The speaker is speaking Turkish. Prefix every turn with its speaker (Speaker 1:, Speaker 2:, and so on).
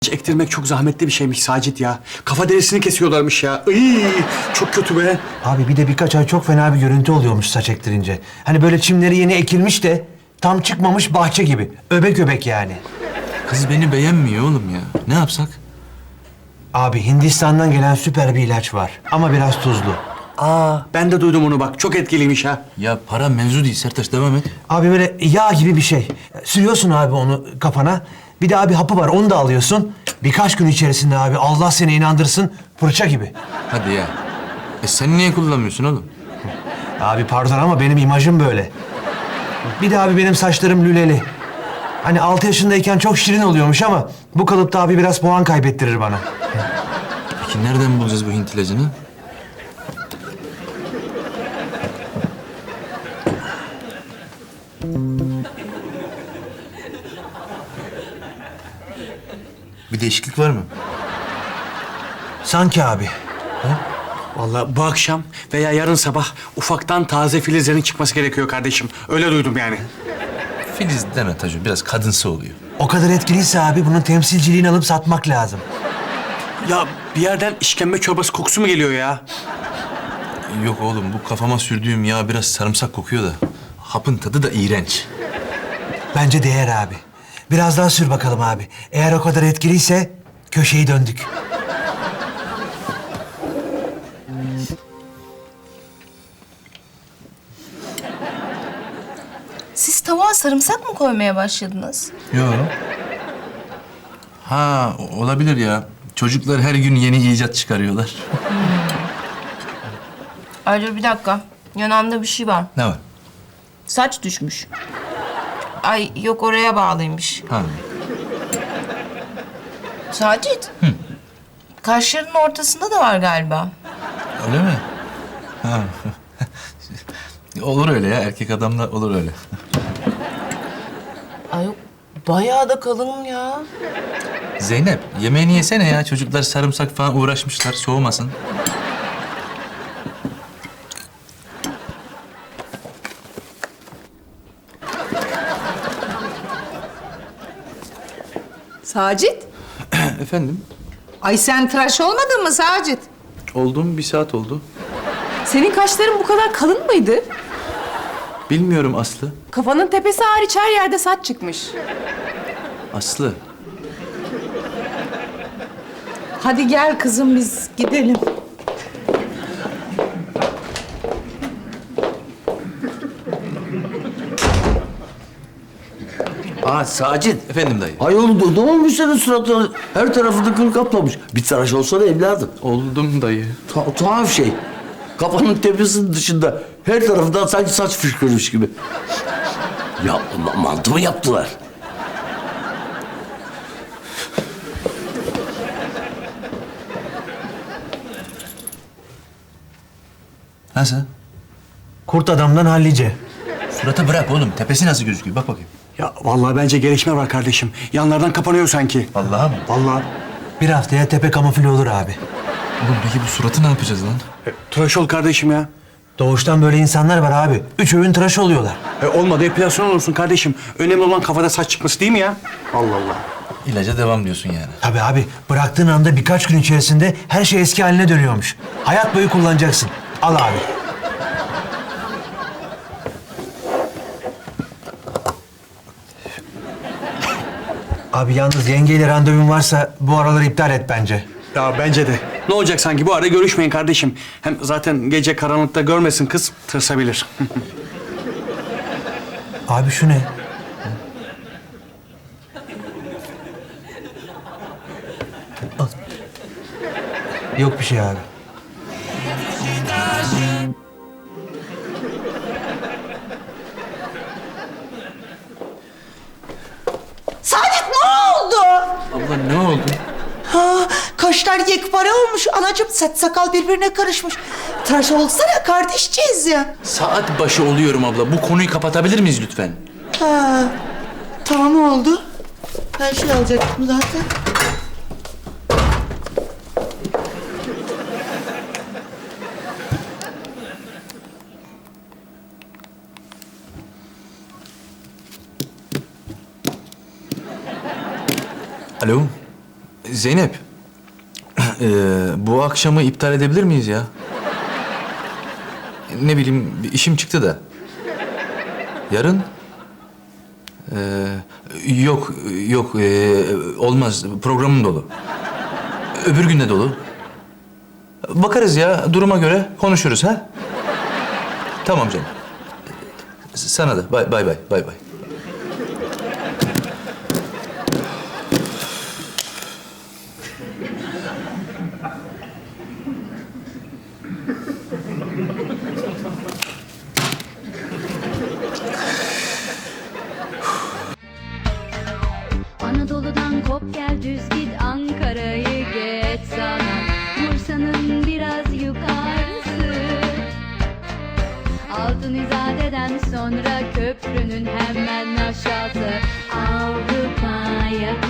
Speaker 1: Ektirmek çok zahmetli bir şeymiş Sacit ya. Kafa derisini kesiyorlarmış ya. Iy, çok kötü be.
Speaker 2: Abi bir de birkaç ay çok fena bir görüntü oluyormuş saç ektirince. Hani böyle çimleri yeni ekilmiş de tam çıkmamış bahçe gibi. Öbek öbek yani.
Speaker 3: Kız beni beğenmiyor oğlum ya. Ne yapsak?
Speaker 2: Abi Hindistan'dan gelen süper bir ilaç var ama biraz tuzlu.
Speaker 1: Ben de duydum onu bak. Çok etkiliymiş ha.
Speaker 3: Ya para mevzu değil Sertaç, devam et.
Speaker 2: Abi böyle yağ gibi bir şey. Sürüyorsun abi onu kafana. Bir de abi hapı var onu da alıyorsun. Birkaç gün içerisinde abi Allah seni inandırsın fırça gibi.
Speaker 3: Hadi ya. Sen niye kullanmıyorsun oğlum?
Speaker 2: Abi pardon ama benim imajım böyle. Bir de abi benim saçlarım lüleli. Hani 6 yaşındayken çok şirin oluyormuş ama bu kalıpta abi biraz puan kaybettirir bana.
Speaker 3: Peki nereden bulacağız bu Hint ilacını? Bir değişiklik var mı?
Speaker 2: Sanki abi.
Speaker 1: Vallahi bu akşam veya yarın sabah ufaktan taze filizlerin çıkması gerekiyor kardeşim. Öyle duydum yani.
Speaker 3: Filiz deme Taco, biraz kadınsı oluyor.
Speaker 2: O kadar etkiliyse abi bunun temsilciliğini alıp satmak lazım.
Speaker 1: Ya bir yerden işkembe çorbası kokusu mu geliyor ya?
Speaker 3: Yok oğlum, bu kafama sürdüğüm yağ biraz sarımsak kokuyor da. Hapın tadı da iğrenç.
Speaker 2: Bence değer abi. Biraz daha sür bakalım abi. Eğer o kadar etkiliyse köşeyi döndük.
Speaker 4: Siz tavuğa sarımsak mı koymaya başladınız?
Speaker 3: Yok. Ha, olabilir ya. Çocuklar her gün yeni icat çıkarıyorlar.
Speaker 4: Ayrıca bir dakika. Yanağımda bir şey var.
Speaker 3: Ne var?
Speaker 4: Saç düşmüş. Ay yok oraya bağlıymış.
Speaker 3: Ha.
Speaker 4: Sacit. Kaşlarının ortasında da var galiba.
Speaker 3: Öyle mi? Ha. Olur öyle ya. Erkek adamla olur öyle.
Speaker 4: Ay yok bayağı da kalın ya.
Speaker 3: Zeynep, yemeğini yesene ya. Çocuklar sarımsak falan uğraşmışlar. Soğumasın.
Speaker 5: Sacit?
Speaker 3: Efendim?
Speaker 5: Ay sen tıraş olmadın mı Sacit?
Speaker 3: Oldum, bir saat oldu.
Speaker 5: Senin kaşların bu kadar kalın mıydı?
Speaker 3: Bilmiyorum Aslı.
Speaker 5: Kafanın tepesi hariç her yerde saç çıkmış.
Speaker 3: Aslı.
Speaker 5: Hadi gel kızım biz gidelim.
Speaker 6: Sacit.
Speaker 3: Efendim dayı.
Speaker 6: Ayol ne olmuş senin suratına? Her tarafını kıl kaplamış. Bir tıraş olsana evladım.
Speaker 3: Oldum dayı.
Speaker 6: Tuhaf şey. Kafanın tepesinin dışında her tarafından sanki saç fışkırmış gibi. Ya mantı mı yaptılar?
Speaker 3: Nasıl?
Speaker 2: Kurt adamdan hallice.
Speaker 3: Suratı bırak oğlum. Tepesi nasıl gözüküyor? Bak bakayım.
Speaker 1: Ya vallahi bence gelişme var kardeşim. Yanlardan kapanıyor sanki.
Speaker 3: Vallahi mı?
Speaker 1: Vallahi.
Speaker 2: Bir haftaya tepe kamufle olur abi.
Speaker 3: Oğlum peki bu suratı ne yapacağız lan?
Speaker 1: Tıraş ol kardeşim ya.
Speaker 2: Doğuştan böyle insanlar var abi. 3 öğün tıraş oluyorlar.
Speaker 1: Olmadı epilasyon olursun kardeşim. Önemli olan kafada saç çıkması değil mi ya? Allah Allah.
Speaker 3: İlaca devam diyorsun yani.
Speaker 2: Tabii abi bıraktığın anda birkaç gün içerisinde her şey eski haline dönüyormuş. Hayat boyu kullanacaksın. Al abi. Abi yalnız yengeyle randevun varsa bu araları iptal et bence.
Speaker 1: Ya bence de. Ne olacak sanki bu ara görüşmeyin kardeşim. Hem zaten gece karanlıkta görmesin kız tırsabilir.
Speaker 2: Abi şu ne? Al. Yok bir şey abi.
Speaker 7: Saadet ne oldu?
Speaker 3: Abla ne oldu?
Speaker 7: Ha, kaşlar yekpare olmuş. Anacığım saç sakal birbirine karışmış. Tıraş olsana kardeşçiyiz ya.
Speaker 3: Saat başı oluyorum abla. Bu konuyu kapatabilir miyiz lütfen?
Speaker 7: Ha, tamam oldu. Ben şey alacaktım zaten.
Speaker 3: Alo. Zeynep, bu akşamı iptal edebilir miyiz ya? Ne bileyim, bir işim çıktı da. Yarın? Yok, yok, olmaz. Programım dolu. Öbür gün de dolu. Bakarız ya, duruma göre konuşuruz ha? Tamam canım. Sana da. Bay bay, bay bay.
Speaker 8: Anadolu'dan kop gel düz git Ankara'yı geç sana Bursa'nın biraz yukarısı Altın İzade'den sonra köprünün hemen aşağısı Avrupa yakası